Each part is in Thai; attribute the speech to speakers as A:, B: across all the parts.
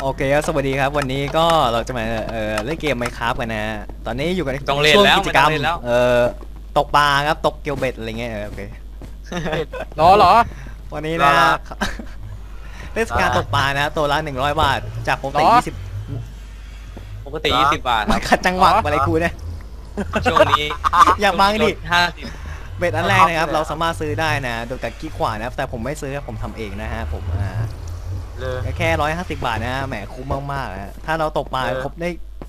A: อเคครับสวัสดีครับวันนี้ก็เราจะมาเล่นเกม Minecraft กันนะฮะตอนนี้อยู่กันใน
B: ต้องเล่น
A: ช่วง
B: แล้ว
A: กิจกรรม
B: มันต้องเล่นแล้ว
A: ตกปลาครับตกเกลียวเบ็ดอะไรเงี้ยโอเค
C: เหรอ
A: วันนี้นะ
C: รอ
A: เทศกาลตกปลานะตัวละ100 บาทจากปกติ
C: หรอ
A: 20
B: ปกติ20 บาทค
A: มั
B: รั
A: น
B: บ
A: ขัดจังหวะอะไรกูเนี่ย
B: ช่วงนี้
A: อย่าบังดิ
B: ล50
A: เบ็ดอันแรกนะครับเราสามารถซื้อได้นะโดยการคลิกขวานะครับแต่ผมไม่ซื้อผมทำเองนะฮะผม
C: เลย
A: แค่150 บาทนะฮะแหมคุ้มมากๆนะฮะถ้าเราตกปลาครบได้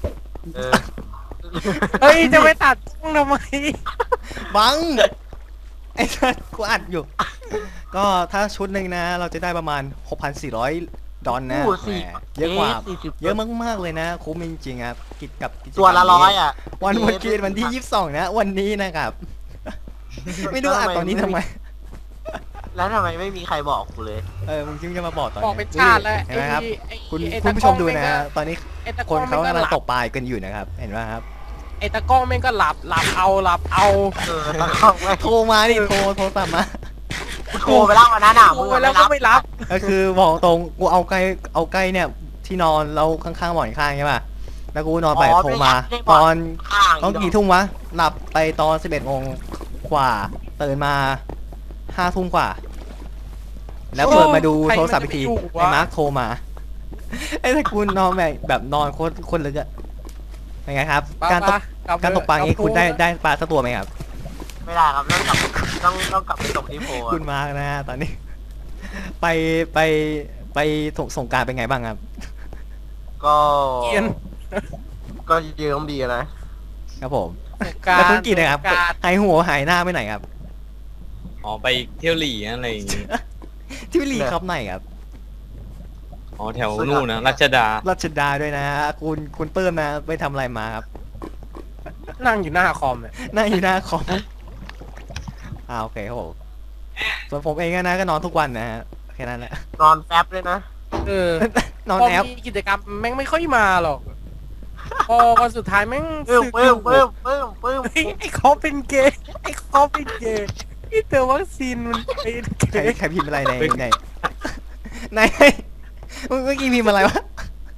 C: เฮ้ยจะไปตัดช่องทำไม
A: บังไอ้สัสกูอัดอยู่ ก็ถ้าชุดหนึ่งนะเราจะได้ประมาณ 6,400 ดอลนะ
C: โอ้โห
A: แหมเยอะกว่า
C: 40
A: เยอะมากๆเลยนะคุ้มจริงๆครับกิจกับกิจกรรม
C: ตัวละร้อยอ่ะ
A: วันเมื่อกี้วันที่ 22 นะ วันนี้นะครับ ไม่รู้อัดตอนนี้ทำไม
C: แล้วทำไมไม่มีใครบอกกูเลย
A: มึงจึงจะมาบอกตอน
D: บอกเป็นชาติแล้ว
A: เห็นไหมครับ
D: ไอ้
A: คุณ
D: ไอ้
A: คุณผู้ชมดูนะ
D: ตะกล้อง
A: ฮะตอนนี้
D: ไอ้ตะ
A: คนเขากำลังตก
D: ป
A: ปลากันอยู่นะครับ เห็นไหมครับ
D: ไอ้ตะกล้องแม่งก็หลับเอา
C: ตอนเข้าไม่
A: โทรมาดิโทรตามมา
C: โทรไปแล้ววันนั้นอ่ะ
D: โทรไปแล้วก็ไม่รับ
A: ก็คือบอกตรงกูเอาใกล้เนี่ยที่นอนเราข้างๆหมอนข้างใช่ป่ะแล้วกูนอนไปโทรมาตอน
C: ข้าง
A: ต้องกี่ทุ่มวะหลับไปตอน11 โมงกว่าตื่นมา5 ทุ่มกว่า แล้วเปิดมาดูโทรศัพท์อีกทีไอ้มาร์คโทรมาไอ้ถ้ากูนอนแบบนอนคนเลยจะเป็นไงครับ การตกปลาอย่างนี้คุณได้ปลาสักตัวไหมครับ
C: ไม่ได้ครับต้องกลับไปตกที่โพ
A: คุณมาร์คนะฮะตอนนี้ ไปไปสงกรานต์เป็นไงบ้างครับ
C: ก็
D: เกียน
C: ก็เยืมดีนะครับ
A: ผม
D: กา
A: แล้ว
D: ร
A: คุณกินนะครับ
D: การ
A: หายหัวหายหน้าไปไหนครับ
B: อ๋อไปเที่ยวหลีอะไรอย่างงี้
A: ที่ลีครับไหนครับ
B: อ๋อแถวนู่นนะรัชดา
A: รัชดาด้วยนะคุณเปิ้มนะไปทำอะไรมาครับ
D: นั่งอยู่หน้าคอมเนี่ย
A: นั่งอยู่หน้าคอมโอเคครับผมส่วนผมเองนะก็นอนทุกวันนะฮะแค่นั้นแหละ
C: นอนแป๊บเลยนะ
D: เออน
A: อน
D: พอ
A: แอป
D: มีกิจกรรมแม่งไม่ค่อยมาหรอกพอวันสุดท้ายแม่ง
C: ปึ้ม
D: สึก
C: ปึ้
D: อ
C: ม
D: ยู่
C: ปึ้มปึ้มปึ้ม
D: เฮ้ยไอ้เขาเป็นเกย์ไอ้เขาเป็นเกย์ที่เจอวัคซีนมันเป็นเก
A: ใคร
D: ย์
A: ใครพิมพ์อะไรในเมื่อกี้พิมพ์อะไรวะ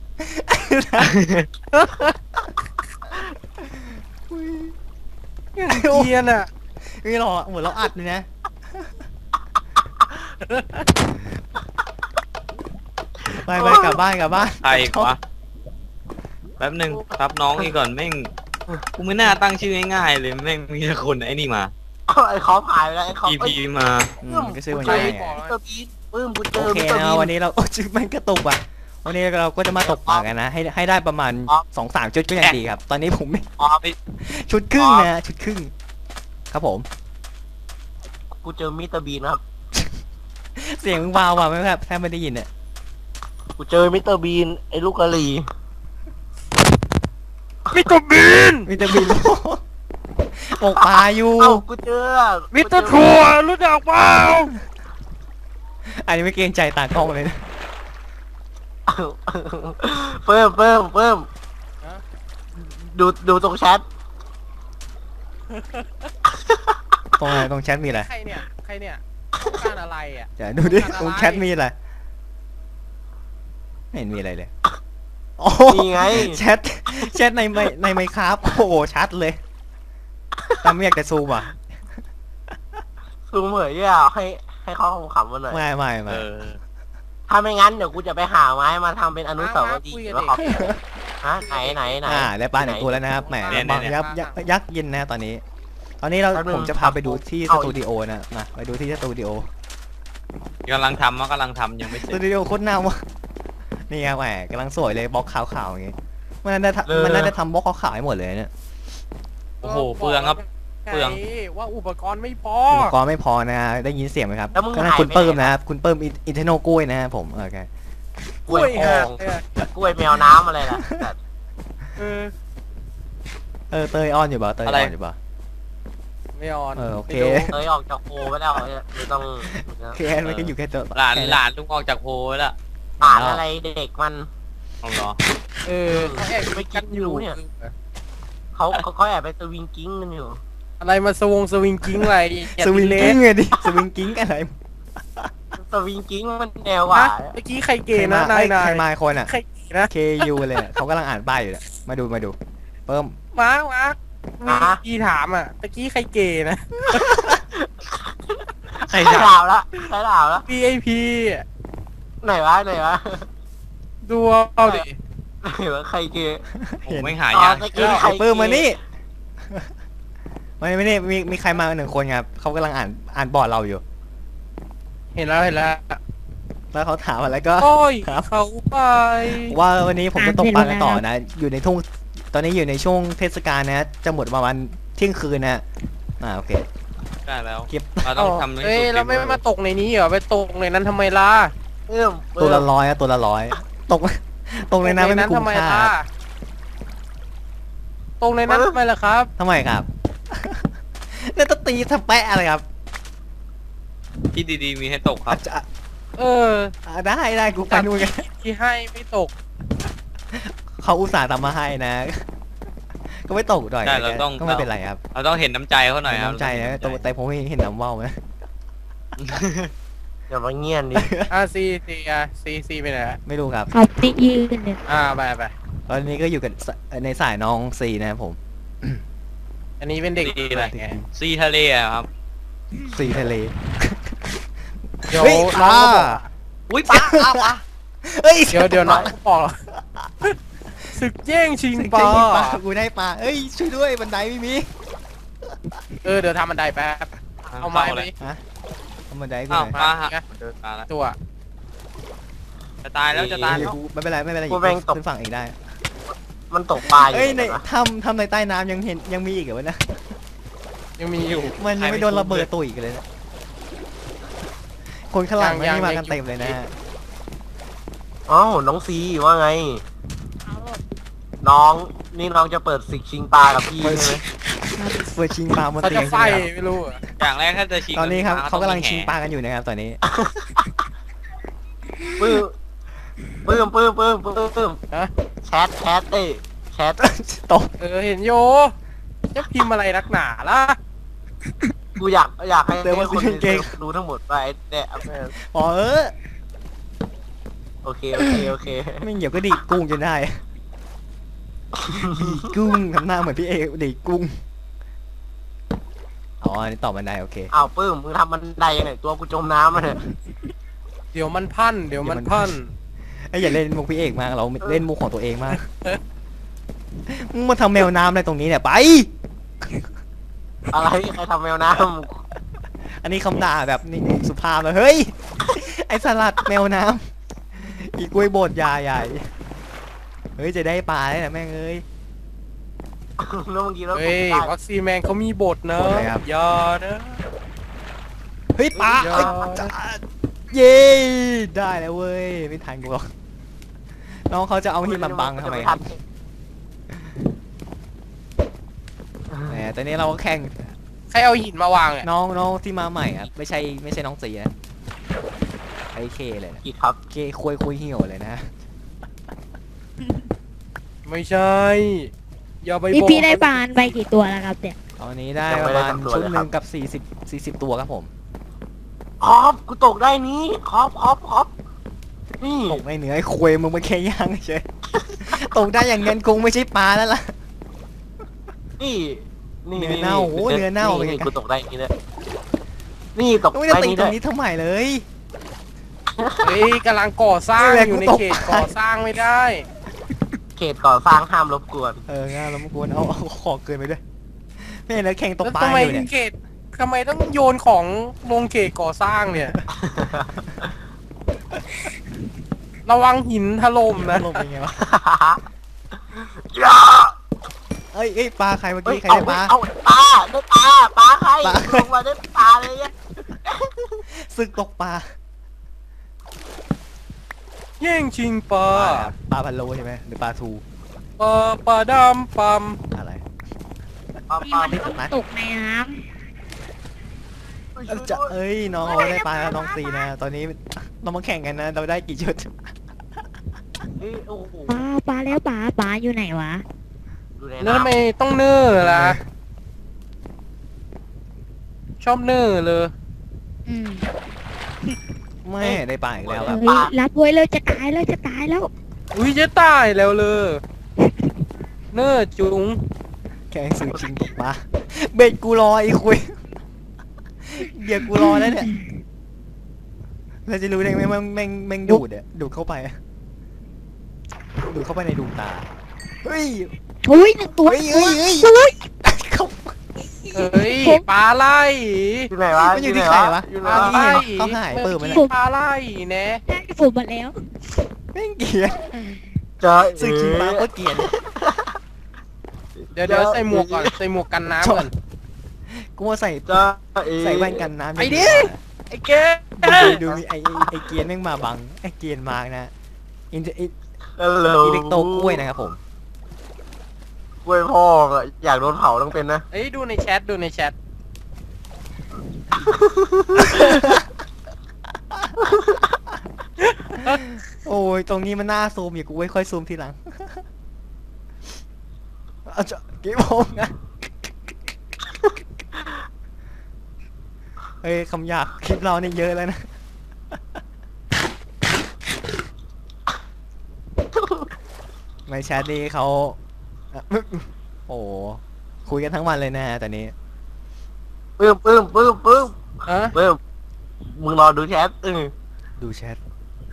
D: อย่างเกียนอ่ะ
A: ไม่หรอกเหมือนเราอัดเลยนะไปกลับบ้าน
B: ใครวะแป๊บหนึ่งรับน้องอีกก่อนแม่งกูไม่น่าตั้งชื่อง่ายๆเลยแม่งมีแต่คนไอ้นี่มา
C: ไอ้คอมหายไปแล้วไอ้คอม
B: EP มา
A: ก็ซื้อวัน
C: เจ
A: นี้
C: อมิสเตอร์บีนปึ้มกูเจ
A: โอ
C: อ
A: เค
C: มิสเตอร์
A: นะ
C: บีน
A: วันนี้เราชื่อมันกระตุกอ่ะวันนี้เราก็จะมาตกปลากันนะให้ได้ประมาณ
C: ครับ
A: 2-3 ชุดก็ยังดีครับ ตอนนี้ผมไม่
C: อ๋อ
A: ชุดครึ่งนะชุดครึ่งครับผม
C: กูเจอมิสเตอร์บีนครับ
A: เสียงวาวไม่ครับแทบไม่ได้ยินเนี่ย
C: กูเจอมิสเตอร์บีนไอ้ลูกกะหรี่
D: มิสเตอร์บีน
A: มิสเตอร์บินตกปลาอยู่
C: เอ้ากูเจอ
D: มิสเตอร์ทัวร์รู้จักเปล่า
A: อันนี้ไม่เกรงใจตากล้องเลยนะ
C: เพิ่มดูตรงแชท
A: ตรงแชทมีอะไร
D: ใครเนี่ยต้องการอะไรอ่ะ
A: จะดูดิ
D: อะไร
A: ตรงแชทมีอะไรไม่เห็นมีอะไรเลยโอ้
C: นี่ไง
A: แชทในไมค์ครับโอ้โหชัดเลยแต่ไม่อยากจะซูมอ่ะ
C: ซูมเหยอ่ะให้เขาขำๆมาหน่อย
A: ไม่
B: เออ
C: ถ้าไม่งั้นเดี๋ยวกูจะไปหาไม้มาทำเป็นอนุสาวรีย์ว่าขอบฮะไหน
A: ได้ปลาหนึ่งตัวแล้วนะครับแหมบางยักษ์เย็นนะตอนนี้เราผมจะพาไปดูที่สตูดิโอนะมาไปดูที่สตูดิโอก
B: ำลังทำยังไม่เส
A: ส
B: ร็
A: ตู
B: จ
A: ดิโอโคตรน่าวะนี่ครับแหมกำลังสวยเลยบล็อกขาวๆอย่างงี้มันน่าจะทำบล็อกขาวๆให้หมดเลยเนี่ย
B: โอ้โหเปลืองครับ เปลือง
D: ว่าอุปกรณ์ไม่พอ
A: อุปกรณ์ไม่พอนะได้ยินเสียงไหมครับก็นั่นคุณเปิ้มนะครับคุณเปิ้มอินเทอร์โนกล้วยนะครับผมโอเค
C: กล้วยทองกล้วยแมวน้ำอะไรล่ะ
D: เออ
A: เตยออนอยู่เปล่าเตยออนอยู่เปล่า
D: ไม่ออน
A: โอเค
C: เอ้ยออกจากโพไปแล้วไม่ต้อง
A: แค่มันก็อยู่แค่ตัว
B: หลานลุงออกจากโพไว้แล้ว
C: อ่านอะไรเด็กมัน
B: เอาเหรอ
D: เขาแอบไปกันอยู่
C: เนี่ย เขาแอบไปสวิงกิ้งกันอยู่
D: อะไรมาสวิงกิ้งอะไร
A: สวิงกิ้งไงดิสวิงกิ้งอะไร
C: สวิงกิ้งมันแนวว่า
D: เมื่อกี้ใครเกย์นะนาย
A: ใครมาคนอ่ะ
D: ใครนะ
A: KU เลยอะเขากำลังอ่านป้ายอยู่เนี่ยมาดูเพิ่ม
D: มาร์คมีพี่ถามอ่ะตะกี้ใครเกย์นะ
B: ใคร
C: ใช่
B: ถาม
C: ดาวแล้วใช่ดาวแล้ว
D: VIP
C: ไหนวะไหนวะ
D: ดูเอาดิ
C: ไหนวะใครเกย์
B: ผมไม่หายาก
C: ตะกี้ใคร
A: ไอ้เพิ่มมานี่ ไม่นี่มีใครมาหนึ่งคนครับเขากำลังอ่านบอร์ดเราอยู่
D: เห็นแล้ว
A: แล้วเขาถามอะไรก็
D: โอ้ย
A: ครับ
D: เขาไป
A: ว่าวันนี้ผมจะตกปลากันต่อนะ อยู่ในทุ่งตอนนี้อยู่ในช่วงเทศกาลนะ จะหมดประมาณเที่ยงคืนนะโอเค
B: ได้แล้ว
A: เก็บ
B: เราต้องทำให้
D: เอ้ย
B: สุด
D: เราไม่มาตกในนี้เหรอไปตกในนั้นทำไมล่ะ
A: ตัวละร้อยอะตัวละร้อยตกตกในน้ำไม่มี
D: ตก
A: คุ้
D: ทำ
A: ม
D: ไม
A: ค่า
D: ล่ะตกในนั้นทำไมล่ะครับ
A: ทำไมครับ เนี่ยตตีทำแปะอะไรครับ
B: ที่ดีๆมีให้ตกครับ
A: จะ
D: เออ
A: ได้กูไปนู่นกัน
D: ที่ให้ไม่ตก
A: เขาอุตส่าห์ทำมาให้นะ ก็ไม่ตกหน่อย
B: ได้เราต้อง
A: ก็ไม่เป็นไรครับ
B: เราต้องเห็นน้ำใจเขาหน่อยครับ
A: น้ำใจนะแต่ผมไม่เห็นน้ำว่าวนะ
C: อย่ามาเงียบดิ
D: ซีไปไหนอะ
A: ไม่รู้ครับ
E: เอาติยืนเนี่ย
D: ไป
A: ตอนนี้ก็อยู่กับในสายน้องซีนะครับผม
D: อันนี้เป็นเด็กดีอะไรไง
B: ซีทะเลอะครับ
A: ซีทะเล
D: เดี๋ยว
A: เฮ้ย
D: น้องก็บอก
B: อุ้ยป้าป้า
A: เฮ้ย
D: เดี๋ยวน้องก็บอกศึกแย่งชิง
A: สิง
D: ป
A: ป
D: ลา
A: ลากูได้ปลาเอ้ยช่วยด้วยบันไดไม่มี
D: เดี๋ยวทำบันไดแป๊บเอาไม้ไป
A: ฮะเอาบันไดกู
B: อ้าว
A: หน่อย
B: ป้าฮะเดินมาแล้ว
D: ตัว
B: จะตายแล้วจะตายแล้ว
A: กูไม่เป็นไรขึ้นฝั่งเองได้
C: มันตกปลาอยู่
A: เอ้ยใน
C: นะ
A: ทำในใต้น้ำยังมีอีกเหรอวะนะ
D: ยังมีอยู่
A: มันยังไม่โดนระเบิดตัวอีกเลยนะคนข้างหลังไม่มากันเต็มเลยนะ
C: อ้าวน้องซีว่าไง น้องนี่น้องจะเปิดศึกชิงปลากับพี่ใช่ไหม
A: เปิดชิงปลาบน
D: เขา
A: เตี
D: จะ
A: ยง
D: ไฟ
A: ใช่ไหมครับ
D: ไม่รู้อะ
B: อย่างแรกถ้าจะชิง
A: ตอนนี้ครับ
B: ม้
A: เขากำลัง
B: ต้องมี
A: ชิง
B: แห่
A: ปลากันอยู่นะครับตอนนี้
C: ปื้มแชทเอ้ยแชท
A: ตก
D: เห็นโยจะพิมพ์อะไรนักหนาล่ะ
C: กูอยากให้คนรู้ทั้งหมดไปเนี่ย
A: พอ
C: โอเค
A: ไม่เดี๋ยวก็ดีดกุ้งจนได้ ดีดกุ้งทำหน้าเหมือนพี่เอดีดกุ้งอ๋ออันนี้ตอบมันได้โอเค
C: อ้าวปื้มมึงทำมันไดยังไงตัวกูจมน้ำมาเนี่ย
D: เดี๋ยวมันพัน
A: ไอ้ยอย่าเล่นมุกพี่เอกมากเราเล่นมุกของตัวเองมากมึงมาทำแมวน้ำอะไรตรงนี้เนี่ยไป
C: อะไรใครทำแมวน้
A: อันนี้คำด่าแบบนี่สุภาพเลยเฮ้ย ไอสลัดแมวน้ำอีกล้วยบดยาใหญ่เฮ้ยจะได้ปลาได้นะแม่งเอ้ย
C: ำแล้วเมื่อกี้เรา
D: เฮ้ยวัคซีแมนเขามีบทนะ
A: บทอะไรครับ
D: อย่านะ
A: เฮ้ยปลา
D: เฮ้
A: เอ้ย
D: ย
A: จ้าเย้ได้แล้วเว้ยไม่ทันกูหรอกน้องเขาจะเอาหินมาบังทำไมครับแหมตอนนี้เราก็แข่ง
D: ใครเอาหินมาวางเนี่ย
A: น้องที่มาใหม่ครับไม่ใช่น้องสีนะไอเคเลยนะ
C: กี่ครับ
A: เคคุยเหี่ยวเลยนะ
D: ไม่ใช่อย่าไป
E: นี่
D: บอก
E: พี่ได้ปลาไปกี่ตัวแล้วครับเนี่ย
A: ตอนนี้ได้ประมาณชุดหนึ่งกับ40ตัวครับผม
C: ครอบกูตกได้นี้ครอบนี่
A: ตกในเหนือไอ้คุยมึงมาแค่ย่างเฉย ตกได้อย่างเงินคงไม่ใช่ปลาแล้วล่ะ
C: นี่
A: เนื้อเน่าโอ้เนื้อเน่าเป็นไง
C: กูตกได้นี่เลยนี่ตก
A: ไม่
C: ได้
A: ได้ตี
C: นี่
A: ตร
C: ด้ว
A: ง
C: ย
A: นี้ทำไมเลย
D: เฮ้ยกำลังก่อสร้าง
A: นี่แหละ
D: อยู่ใน
A: กูตก
D: เขตก่อสร้างไม่ได้
C: เขตก่อสร้างห้ามรบกวน
A: ง่ายแล้วมันควรเอาของเกินไปด้วยไม่เห็นแล้วแข่งตก
D: แล้ว
A: ปลา
D: ทำไม
A: อยู่เนี่ย
D: เขตทำไมต้องโยนของลงเขตก่อสร้างเนี่ย ระวังหินถล่มนะ
A: ลงเป็นไงวะ
C: อย่า
A: เอ้ยปลาใครเมื่อ
C: เฮ้ย
A: กี้ใคร
C: เอา
A: ได้ปลา
C: เอาได้ปลาใคร
A: ปลา
C: ลงมาได้ปลาเลยเนี่ย
A: ซึกตกปลา
D: แย่งชิงปลา
A: ปลาพันโลใช่ไหมหรือปลาทู
D: ปลาดำปั๊ม
A: อะไร
C: ปลา
E: พี่
C: ปลา
E: มัน
C: ไม่
E: ต้อง
A: นะ
E: ตกในน้
A: จะเอ้ยน้องเขาได้ปลาแล้วน้องตีนะตอนนี้เรามาแข่งกันนะเราได้กี่ชุด
C: เฮ้ยโอ้โห
E: ำปลาแล้วปลาอยู่ไหนวะ
C: ดูใน
D: แล้วทำไม
C: น้ำ
D: ต้องเนื้อล่ะ ชอบเนื้อเลย
E: อืม
A: ไม่ได้ปลาอีกแล้วครับ
E: เฮ้ยรับไว้เลยจะตายแล้ว
D: อุ้ยจะตายแล้วเลยเน้อจุง
A: แข่งสื่อจริงตกปลาเบ็ดกูรอไอ้คุยเดี๋ยวกูรอแล้วเนี่ยเราจะรู้ได้ไหมว่าแม่งดูดอะดูดเข้าไปอะดูดเข้าไปในดวงตาเฮ้ย
E: อุ้ยหนึ่งตัว
A: เฮ้ยเฮ้ยเฮ้ยเขา
D: เฮ้ยปลาไหล
C: อยู่ไหนวะ
A: มันอยู่ที่ใครวะ
C: อยู่ไห
D: ป
C: น
D: ลาว
C: ะ
D: ไหล
A: เขาหายเปิดมาแล้ว
D: ปลาไหลแน่
E: ได้ผมมาแล้ว
A: แม่งเกลียด
C: เจอ
A: สื่อจริงปลาก็เกลียด
D: เดี๋ยวใส่หมวกก่อนใส่หมวกกันน้ำก่อน
A: กูว่าใส่
C: เจอ
A: ใส่แว่นกันน้ำ
D: ไอ้ดิ ไอ้เก
A: ดูมีไอเกียนแม่งมาบังไอเกียนมานะอินอิ
C: ฮัลโหล
A: เล็กโตกล้วยนะครับผม
C: กล้วยพ่ออะอยากโดนเผาต้องเป็นนะ
D: เอ้ยดูในแชทดูในแชท
A: โอ้ยตรงนี้มันน่าซูมอย่ากูไว้ค่อยซูมทีหลังเอาจะเก็บผมนะเฮ้ยคำหยาบคลิปเราเนี่ยเยอะแล้วนะไม่แชทนี่เขาอ่ะโอ้คุยกันทั้งวันเลยนะฮะตอนนี้
C: ปื้ม
D: ฮะ
C: มึงรอดูแชท
A: ดูแชท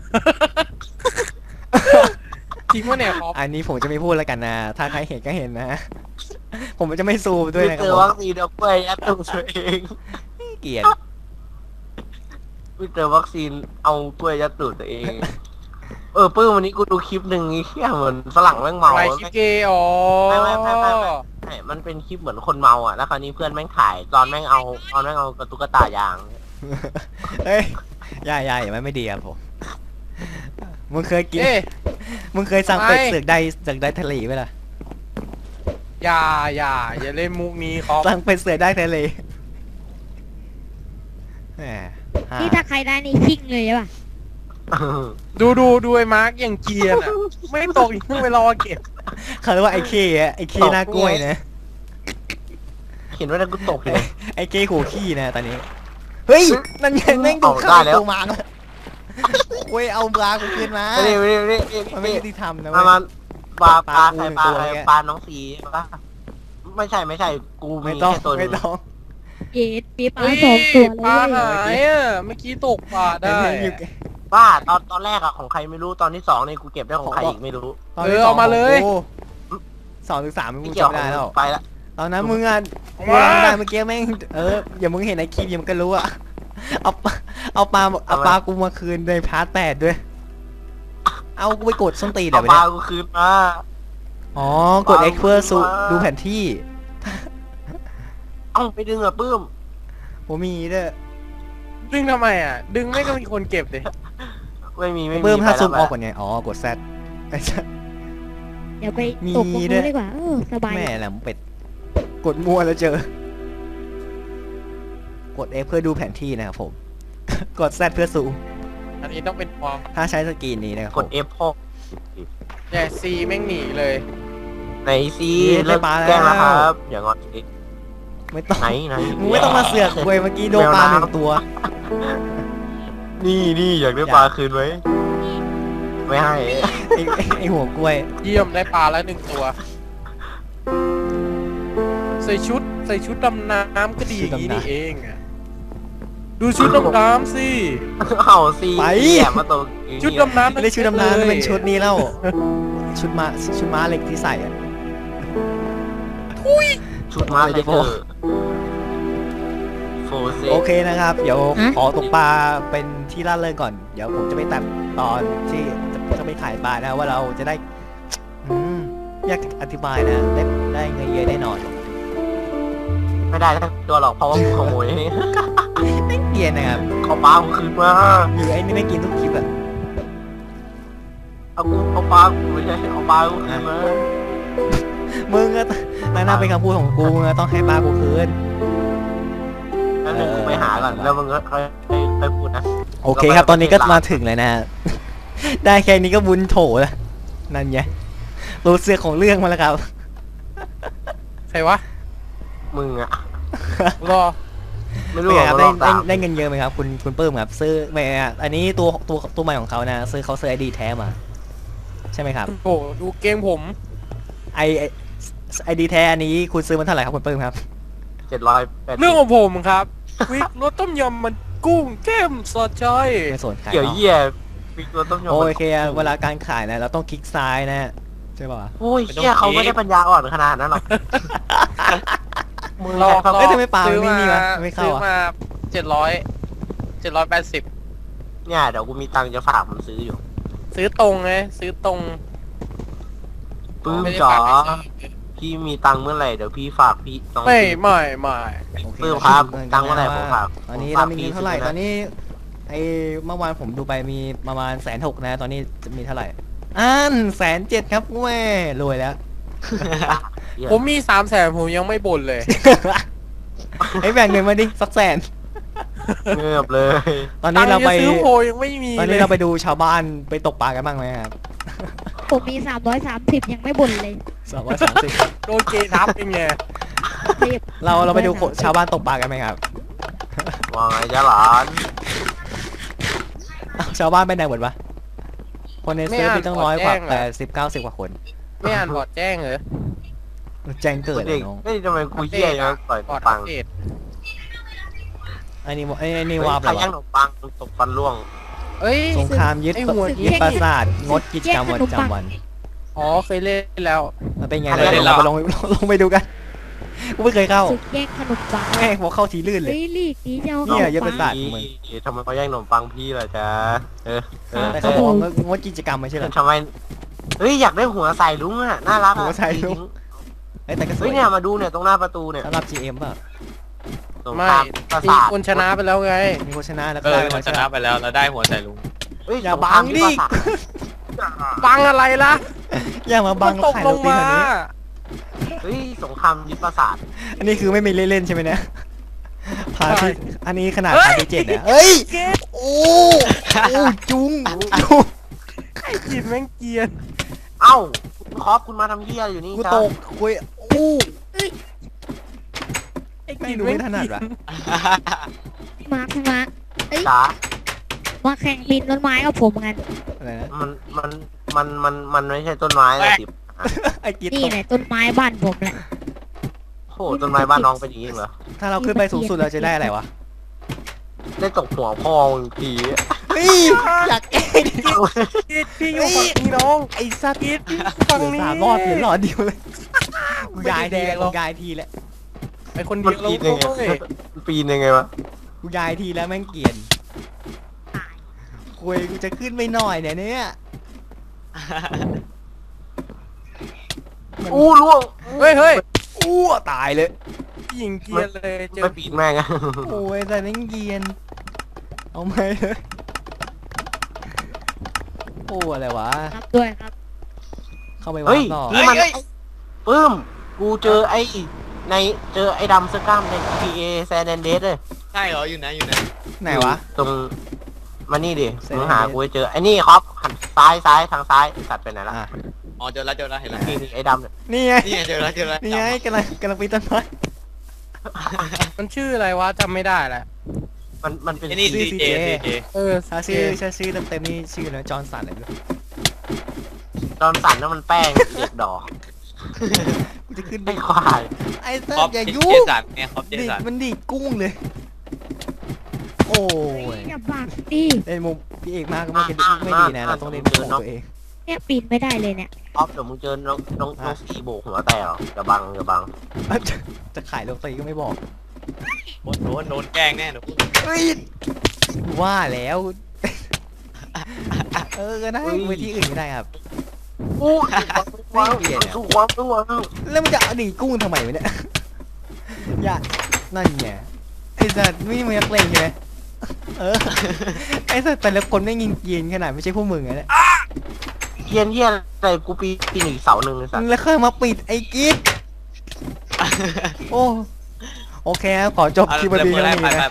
D: จริงวะเนี่ยคอป
A: อันนี้ผมจะไม่พูดแล้วกันนะ ถ้าใครเห็นก็เห็นนะ ผมจะไม่ซูมด้วยนะค
C: เจ
A: รับ
C: อ
A: ผม
C: วัคซีนเอากล้วยยัดตัวตัวเอง
A: เกลียด
C: ไม่เจอวัคซีนเอากล้วยยัดตูดตัวเอง ปื้มวันนี้กูดูคลิปหนึ่งไอ้เหี้ยเหมือนฝรั่งแม่งเมา
D: อะไรคลิปเกย์อ๋อ
C: ไม่ใช่มันเป็นคลิปเหมือนคนเมาอ่ะ แล้วคราวนี้เพื่อนแม่งถ่ายตอนแม่งเอากระตุกกระตายาง
A: เฮ้ยอย่ามันไม่ดีครับผม มึงเคยกิน
D: เอ๊ะ
A: มึงเคยสั่งเป็ด
D: ไม่
A: เสือกได้ทะเลไหมล่ะ
D: อย่าเล่นมุกนี้คอป
A: สั่งเป็ดเสือกได้ทะเลแหมฮะ
E: นี่ถ้าใครได้นี่ชิ่งเลยใช่ป่ะ
D: ดูไอ้มาร์กอย่างเกรียนอ่ะ ไม่ตกอีกเพิ่งไปรอเก็บ
A: เขาเรียกว่าไอ้เคอะไอ้เคหน้ากล้วยนะ
C: เห็นว่านั่นกูตกเลย
A: ไอ้เคหัวขี้นะตอนนี้ เฮ้ย นั่นไงแม่งดู
C: เอา
A: ข้า
C: ได้
A: ว
C: แล้ว
A: กูมาแล้วเว้ยเอาปลากูคืนมา
C: นี่
A: มันไม่ยุติธรรมนะ
C: มา
A: เว้ย
C: ปลาใคร
A: ป
C: ป
A: ลา
C: ลา
A: กู
C: ใคร
A: หนึ่งตัว
C: ปลาน้องสีปะไม่ใช่กู
A: ไม่
C: มี
A: ต้อง
C: แค่ตัวหนึ
A: ไม่
C: ง
A: ต้อง
E: เย็ดมีปลา
D: เฮ้ย
E: สองตัวเล
D: ปลาย หายอ่ะเมื่อกี้ตกปลาได้
A: อยู่
C: บ้าตอนแรกอะของใครไม่รู้ตอนที่สองเนี่ยกูเก็บได้ของใครอีกไม่รู้
A: ตนที่
D: เอามาเลย
A: โอ้2 ถึง 3มึง
C: ไม่เกี่ยว
A: จำไม่ได้แล้ว
C: ไปละ
A: ตอนนั้นมึงอ่ะ
D: เอา
A: มึ
D: มา
A: งได้เมื่อกี้แม่งอย่ามึงเห็นไอ้คลิปอย่ามึงก็รู้อ่ะเอาปลากูมาคืนในพาร์ท 8ด้วย เอากูไปกดส้นตีนเดี๋
C: เอา
A: ยวไป
C: ปลา
A: เนี่ย
C: กูคืนมา
A: อ๋อกด X เพื่อดูแผนที่
C: เอ้าไปดึงอะปื้ม
A: ผมมีด้วย
D: ดึงทำไมอ่ะ ดึงไม่ก็มีคนเก็บดิ
C: ไม่มี
A: เพิ่มถ้าซูมออก
C: ไป
A: ก่อนไงอ๋อกด Z ไอ้สัส
E: เดี๋ยวไป
A: มี
E: ตกตรง
A: ด้ว
E: นู้
A: ย
E: นดีกว่าสบาย
A: แม่แหลมเป็ด กดมั่วแล้วเจอ กด X เพื่อดูแผนที่นะครับผม กด Z เพื่อซูม
D: อันนี้ต้องเป็นฟอง
A: ถ้าใช้สกรีนนี้นะครับ
C: ก
A: ผ
C: ด
A: ม
C: F พ่อ
D: เนี่ยซีแม่งหนีเลย
C: ไหนซี
A: นี่ได้
C: เลิก
A: ปลาแล้ว
C: แกล้งแล้วครับอย่างอนสิ
A: ไม่ต้อง
C: ไหน
A: มึงไม่ต้องมาเสือกเว้ยเมื่อกี้โดนปลาหนึ่งตัว
C: นี่อยากได้
A: อยาก
C: ปลาคืนไหมไม่ให้
A: ไอหัวกล้วย
D: เยี่ยมได้ปลาแล้วหนึ่งตัว ใส่ชุดดำน้ำก็ดีอย่างนี้นี่เองอะดูชุดดำน้ำสิ
C: เอาซี
A: ไป
C: แอบมาตรงนี้
D: ชุดดำน้ำ
A: ไม่ได้ชุดดำน้ำเป็นชุดนี้แล้ว ชุดม้าเหล็กที่ใส่อะ
C: ชุดมาเลยเธอโฟเซ
A: โอเคนะครับ เดี๋ยวขอตกปลาเป็นที่ล่าเริงก่อน เดี๋ยวผมจะไปตัดตอนที่จะไปขายปลานะว่าเราจะได้ อยากอธิบายนะได้เงินเยอะแน่นอน
C: ไม่ได้ทั้งตัวหรอกเพราะว่ากูขโมย
A: ไม่เกลียนนะครับ
C: เอาปลากูคืนมา
A: อยู่ไอ้นี่ไม่กินทุกคลิปอะ
C: เอาปลากูไม่ใช่เอาปลากูคืนมา
A: มึงก็น่าเป็นคำพูดของกูมึงก็ต้องให้ปลากูคืน
C: แล้วหนึ่งกูไปหาก่อนแล้วมึงก็ค่อยพูดนะ
A: โอเคครับ ตอนนี้ก็มาถึงเลยนะ ได้แค่นี้ก็บุญโถแล้วนั่นไงรู้เสือกของเรื่องมาแล้วครับ
D: ใครวะ
C: มึงอะ
D: รอ
C: ไม่รู้
A: เป็น
C: หร
A: ไง
C: อก
A: ครับ
C: ว่า
A: ได้เงินเยอะไหมครับ คุณปื้มครับซื้อไม่อะอันนี้ตัวใหม่ของเขานะซื้อเขาซื้อไอดีแท้มาช่ไหมครับ
D: โอ้โหดูเกมผม
A: ไอดีแท้อันนี้คุณซื้อมันเท่าไหร่ครับคุณเปิ้มครับ
C: 780
D: เรื่องของผมครับ วิกรสต้มยำมันกุ้งเข้มสดจ้อย
A: ไม่สนขาย
C: เกี่ยว
A: เนาะ
C: เหี้ยมีตัวต้มยำ
A: โอเคเวลาการขายนะเราต้องคลิกซ้ายนะฮะใช่ป่ะ
C: โอ้ยเหี้ยเขาไม่ได้ปัญญาอ่อนขนาดนั้นหรอกมึง
D: รอ
C: ใช้คำ
A: เอ้ยทำไมปลา
D: ซื้อ
A: ไม่
D: มา
A: นี่วะไม่เข้า
D: ซื้อ
A: อ่ะ
D: มา780
C: เนี่ยเดี๋ยวกูมีตังค์จะฝากมันซื้ออยู่
D: ซื้อตรงไงซื้อตรง
C: ปื้ม
D: ไม่ได้
C: จ๋อ
D: ฝากให้ซื้อ
C: พี่มีตังค์เมื่อไหร่เดี๋ยวพี่ฝากพี่น้อง
D: ไม่
C: พี่
D: ไม่ไม่
A: โอเค
C: เพิ่มครับตังค์เมื่อไหร่ผมฝาก
A: ตอนนี้
C: ผม
A: เรา
C: ฝาก
A: มีเงิน
C: พี่
A: เท่าไหร่
C: ซื้อนะ
A: ตอนนี้ไอเมื่อวานผมดูไปมีประมาณ160,000นะตอนนี้จะมีเท่าไหร่107,000ครับแม่รวยแล้ว
C: เหี้ย
D: ผมมี300,000ผมยังไม่บ่นเลย
A: ไอ้แบ่งเงินมาดิสักแสน
C: เงือบเลย
A: ตอนนี้เราไป
D: ตังค์จะซื้อโพยังไม่มี
A: ตอน
D: เล
A: นี้
D: ย
A: เราไปดูชาวบ้านไปตกปลากันบ้างไหมครับ
E: ผมมี330ยังไม่บ่นเลย
A: 230
D: โดนเกย์ทับเป็นไง
E: เรียบ
A: เราไปดูชาวบ้านตกปลากันไหมครับ
C: ว่าไงจ๊ะหลาน
A: อ้าวชาวบ้านไปไหนหมดวะคนในเซิร์ฟมีตั้ง100 กว่า
D: ไม่อ่าน
A: 80-90 กว่าคน
D: ไม่อ่านบอร์ดแจ้งเหรอ
A: แจ้งเกิดเล
C: เด็
A: ย
C: ก
A: น้อง
C: เฮ้ยทำไมกูเหี้ยยังปล่อย
D: บอร์ด
C: ปั
D: อั
C: ง
D: ปเดต
A: ไอ้นี่
C: เฮ้ยว
A: าบ
C: ใคร
A: เลยวะ
C: ย่างขนมปังตกฟันร่วง
D: เอ้ย
A: สงครามยึด
D: ไอ้หัว
A: ยึดปราสาทงดกิจกรรมประจำวัน
D: อ๋อเคยเล่นแล้ว
A: มันเป็นไง
C: อะไร
A: เดี๋ยวเราไปลงไปดูกันกูไม่เคยเข้า
E: สึกแย่งขนมปัง
A: แม่งพอเข้าทีลื่นเลย
E: เฮ้ยลีกนี้จะเอา
A: เนี่
E: ข
A: ย
E: นม
A: ยึดป
E: ปั
A: ราง สาท ของมึง
C: ทำไมเขาแย่งขนมปังพี่ล่ะจ๊ะ
A: แต่เขาบอกว่างดกิจกรรมไม่ใช่เหรอ
C: ทำไมเฮ้ยอยากได้หัวใส่ลุงอ่ะน่ารักอะ
A: หัวใส่ลุง เอ้ยแต่ก็สว
C: เฮ้
A: ย
C: ยเนี่ยมาดูเนี่ยตรงหน้าประตูเนี่ย
A: สำหรับ GM ป่ะ
C: ตรง
D: ไม่
C: ข้ามปรา
D: มี
C: สาท
D: คนชนะไปแล้วไง
A: มีคนชนะแล้ว
B: เอ
A: ก็
B: อ
A: ได้
B: มันชนะไปแล้วเราได้หัวใส่ลุง
C: เฮ้ย
A: อย่า
C: ตรง
A: บั
C: ข้ม
A: ง
C: ที่
A: ดิ
C: ปราสาท
D: บังอะไรล่ะ
A: อย่ามาบัง
D: ตก
A: ขาย
D: ล
A: โรง ตี
D: มา
A: แบบนี้
C: เฮ้ยสงครามยึดปราสาท
A: อันนี้คือไม่มีเล่นๆใช่ไหมเนี่ยพาร์ทที่อันนี้ขนาด
D: เฮ้ย
A: พาร์ทที่7เนี่ยเอ้ย
D: เกย์
A: โอ้จุง
D: ไอ้กินแม่งเกรียน
C: เอ้าคุณคอปคุณมาทำเหี้ยอยู่นี่
A: กู
C: จ้า
A: ตกคุยโอ้
D: ไอ้
A: ไม่
D: กิน
A: ดู
D: แม่
A: ไม่
D: ง
A: ถนัดว่ะ
E: มาร์คมาเอ้ย
C: จ๋า
E: มาแข่งปีนต้นไม้กับผมกัน
A: อะไรนะ
C: มันไม่ใช่ต้นไม้อะสิ
A: ไอ้กีด
E: นี่
A: ตก
E: แหละต้นไม้บ้านผมแหละ
C: โอ้โหต้นไม้บ้านน้องเป็นอย่างนี้เหรอ
A: ถ้าเราขึ้นไปสูงสุดเราจะได้อะไรวะ
C: ได้ตกหัวพ่อมึงที
A: เฮ้ยอยากแก้ดิ
D: กินพี่อยู่ฝั่งนี้น้อง
A: ไอ้สัตว์
D: กินพี่ฝั่งนี้
A: 3 รอบเหลือหลอดเดียวเลยกูยาย
D: ไม่
A: ที
D: ได้แดงหรอก
A: กูยายทีแล้ว
D: ไอ้คน
C: มั
D: เดี
C: น
D: ยวเรา
C: ปีนยังไง
D: เว้ย
C: มันปีนยังไงวะ
A: กูยายทีแล้วแม่งเกลียนคุยกูจะขึ้นไม่หน่อยเนี่ย
C: อู้ล่วง
D: เฮ้ยเฮ้ย
A: อ้วตายเลย
D: ยิงเกรียนเลยเจอ
C: ไม่ปีนแม่งอะ
A: โอ้ยแต่แม่งเกลียนเอาไหมเลยโอ้อะไรวะ
E: รับด้วยครับ
A: เข้าไป
C: เฮ้
A: วาย งต่อ
C: นี่มัน
B: เฮ้ย
C: ปื้มกูเจอไอ้เจอไอ้ดำเสื้อกล้ามใน GTA San Andreas เลย
B: ใช่เหรออยู่ไหนอยู่ไหน
A: ไหนวะ
C: ตรงมานี่ดิ
A: San
C: มึงหา
A: Andreas
C: กูให้เจอไอ้นี่ครับหันซ้ายทางซ้ายสัตว์ไปไหนละ
A: อ่ะ
B: อ๋อเจอแล้วเห็นแล้ว
C: นี่ไอ้ดำเนี่ย
A: นี่ไง
B: นี่ไงเจอแล้ว
A: นี่ไงกำลังปีนต้นไม้
D: มันชื่ออะไรวะจำไม่ได้แหละ
C: มันเป็น
B: ไอ้นี่
A: CJ
B: CJ
D: เออ
A: ถ้าชื่อเต็มๆนี่ชื่ออะไรจอห์นสันอะไรไม่รู้
C: จอนสันนั่นมันแป้งเด็กดอก
A: กูจะขึ้นไป
C: ไอ้ควาย
A: ไอ้สั
B: คอ
A: ต
B: ป
A: ว์อย่า
B: เจ
A: ยุ่ง
B: สันไงคอปเจ
A: ดิ
B: สัน
A: มันดีดกุ้งเลย โอ้ย
E: อย่าบักดิ
A: เล่นมุมพี่เอกมากก็ไม่ดีนะเราต้องเล่นมุมของตัวเอง
E: เนี่ยปีนไม่ได้เลยเนี่ย
C: ออฟเดี๋ยวมึงเจอน้องสีโบกหัวแตกหรอกอย่าบัง
A: จะขายโรตีก็ไม่บอก
B: โดนแกล้งแน่หนู
A: เฮ้ยว่าแล้ว ก็ได้ไปที่อื่นก็ได้ครับ
C: อู้วางสู้วาง
A: แล้วมันจะเอาดีดกุ้งทำไมวะเนี่ย อย่านั่นไงไอ้สัตว์ไม่มีนักเลงใช่ไหมไอ้สัตว์แต่ละคนไม่ยิงเกียนขนาดไม่ใช่พวกมึงไงเนี่ย
C: เฮียนอะไรกูปีนอีกเสาหนึ่งเลยสัตว์
A: แล้วค่อยมาปิดไอ้กิ๊ดโอ้โอเคครับขอจบคลิปวันนี้
B: ไป
A: เท่านี้นะ
B: ไป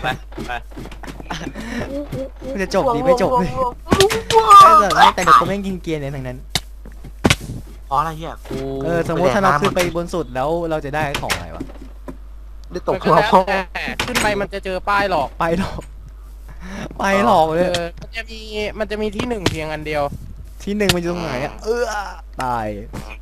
A: มันจะจบดีไม่จบเลยไอ้สัตว์แต่เด็กคนแม่งยิงเกียนเนี่ยทั้งนั้น
C: อ๋ออะไรเฮียกู
A: สมมติถ้าเราขึ้นไปบนสุดแล้วเราจะได้ของอะไรวะ
C: ได้ตก
D: มัน
C: หั
D: ก็
C: ว
D: แล้ว
C: พ่อ
D: แต่ขึ้นไปมันจะเจอป้ายหลอก
A: ไปหรอกไปหรอกเลย
D: มันจะมีที่หนึ่งเพียงอันเดียว
A: ที่ที่หนึ่งมันอยู่ตรงไหนอะตาย